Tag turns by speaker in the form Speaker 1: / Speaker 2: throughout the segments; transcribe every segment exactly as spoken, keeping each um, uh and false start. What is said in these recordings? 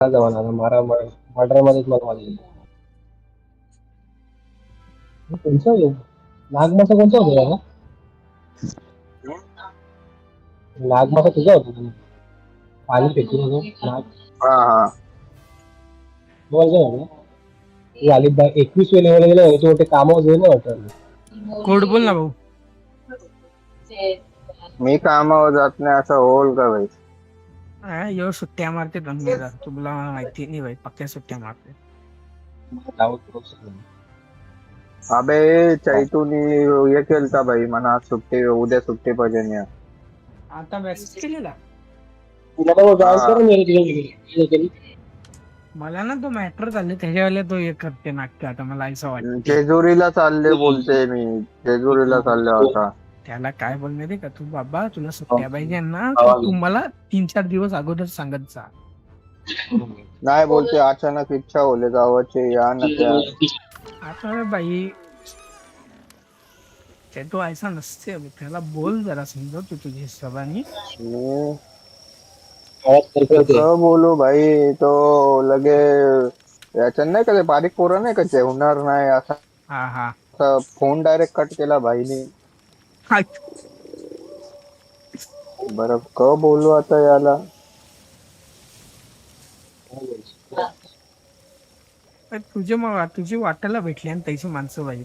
Speaker 1: जमाना मारा मर्डर मध्येच मला वाजले. कोणचा नागमासा कोणता होता दादा? नागमासा तुझा होता का? पाणी फेकून होतो नाग.
Speaker 2: हा हा
Speaker 1: बोल तू आली एकवीस लेवल गेला होते ते काम होते ना वाटत.
Speaker 3: कोड बोल ना भाऊ.
Speaker 2: मी कामावर जात नाही असं होल का भाई?
Speaker 3: हा, यो सुट्ट्या मारते दंगेला, तुला माहिती नाही भाई, पक्क्या सुट्ट्या मारते.
Speaker 2: अबे चैतूनी हे केलता भाई म्हणा सुट्टी उद्या सुट्टी पाहिजे नाही.
Speaker 3: आता मेसेज केलेला
Speaker 1: तुला तर जॉईन
Speaker 2: हा.
Speaker 1: करून गेली.
Speaker 3: मला ना तो मॅटर झाले त्याच्यावेळेला तो हे करते नाटक. आता मला असं वाटते
Speaker 2: जेजुरीला चालले बोलते मी, जेजुरीला चालले होता.
Speaker 3: त्याला काय बोलणार आहे का, तू बाबा तुला सुट्ट्या पाहिजे ना तर तू मला तीन चार दिवस अगोदर सांगत जा.
Speaker 2: नाही बोलते अचानक इच्छा होले जावाची या ना त्या.
Speaker 3: आता बाई ते तो ऐसा नसते, त्याला बोल जरा समजा तू तुझ्या हिशोबाने.
Speaker 2: कसं बोलू भाई, तो लगे याच्या नाही का ते बारीक पोरं नाही का जेवणार नाही असा
Speaker 3: हा हा
Speaker 2: फोन डायरेक्ट कट केला भाईनी. बरं क बोलू आता याला.
Speaker 3: तुझे मग तुझी वाटायला भेटली आणि त्याची माणसं बाई.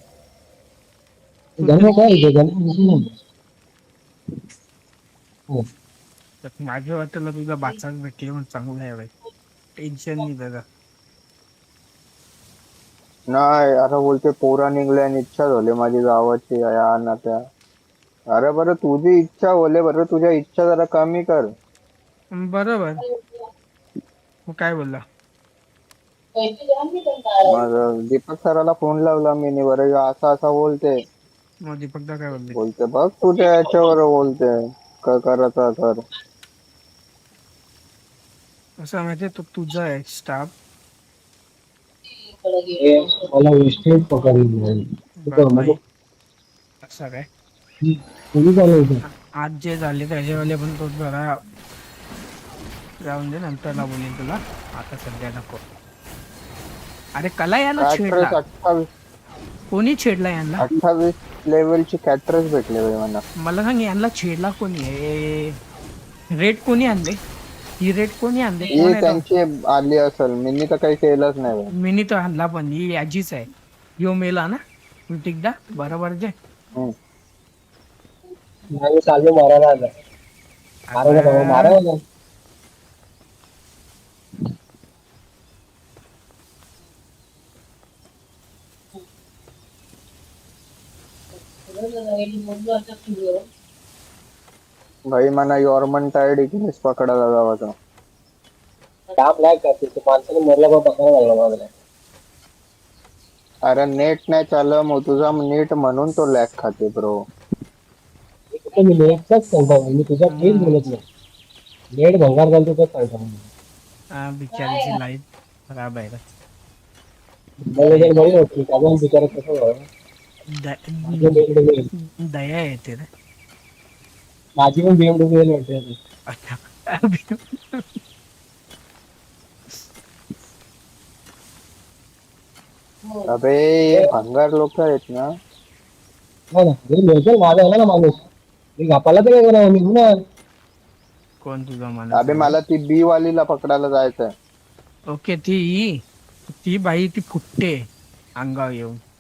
Speaker 3: माझ्या वाटेला तुझा बाचाच भेटले म्हणून चांगलं आहे बाई, टेन्शन नाही दादा.
Speaker 2: नाही अरे बोलते पोरा निघल्या आणि इच्छा झाली माझी गावाची या ना त्या. अरे बरं तुझी इच्छा होले, बरं तुझ्या इच्छा जरा कमी कर.
Speaker 3: बरोबर. मग काय बोलला?
Speaker 2: मग दीपक सराला फोन लावला मी, बरं असं असं बोलते.
Speaker 3: मग दीपकदा काय बोलले?
Speaker 2: बोलते बघ तुझ्या याच्यावर बोलते काय करायचं कर.
Speaker 3: असं माहितीये तो तुझा आहे स्टाफ.
Speaker 1: मला वेस्टेज पकडली
Speaker 3: असं काय
Speaker 1: तुम्ही
Speaker 3: आज जे झाले त्याच्यावाले पण तो जरा जाऊन दे, नंतरला बोलेन तुला, आता सध्या नको. अरे कला याला छेडला,
Speaker 2: अठ्ठावीस
Speaker 3: कोणी छेडला यांना?
Speaker 2: अठ्ठावीस लेवलची कॅटरस भेटले भाई मला.
Speaker 3: मला सांग यांना छेडला कोणी आहे? रेट कोणी आणले? ही रेट कोणी आणले?
Speaker 2: ही त्यांची आली असेल, मी तर काही केलंच नाही.
Speaker 3: मी तर आणला पण ही याचीच आहे. यो मेला ना एकदा बरोबर जे
Speaker 1: चालू मारायला आला मारायला मारायला
Speaker 2: भाई मला यॉर्मन टायर्ड इकडेच पकडायला जावाचा
Speaker 1: काम नाही करते ते माणसाने मरला पण पकडायला लागला माझ्या.
Speaker 2: अरे नेट नाही चाललं मग तुझा नेट म्हणून तो लॅग खाते ब्रो.
Speaker 1: मी नेटचाच सांगतो, मी तुझा काहीच बोलत नाही. नेट भंगार झालं तर सांगतो.
Speaker 3: हा बिचारीची लाईफ खराब आहे.
Speaker 1: मला बरी होती कारण बिचारा कसं
Speaker 3: दया येते रे.
Speaker 1: माझी पण बीएमडब्ल्यू वाटते.
Speaker 2: अबे भंगार लोक आहेत ना.
Speaker 1: हो ना लोकल माझा आला ना माणूस मी घापाला तर काय करा मी ना.
Speaker 3: कोण तुझा माणूस?
Speaker 2: अबे मला ती बी वालीला पकडायला जायचंय.
Speaker 3: ओके ती ती बाई ती फुटते अंगावर येऊन.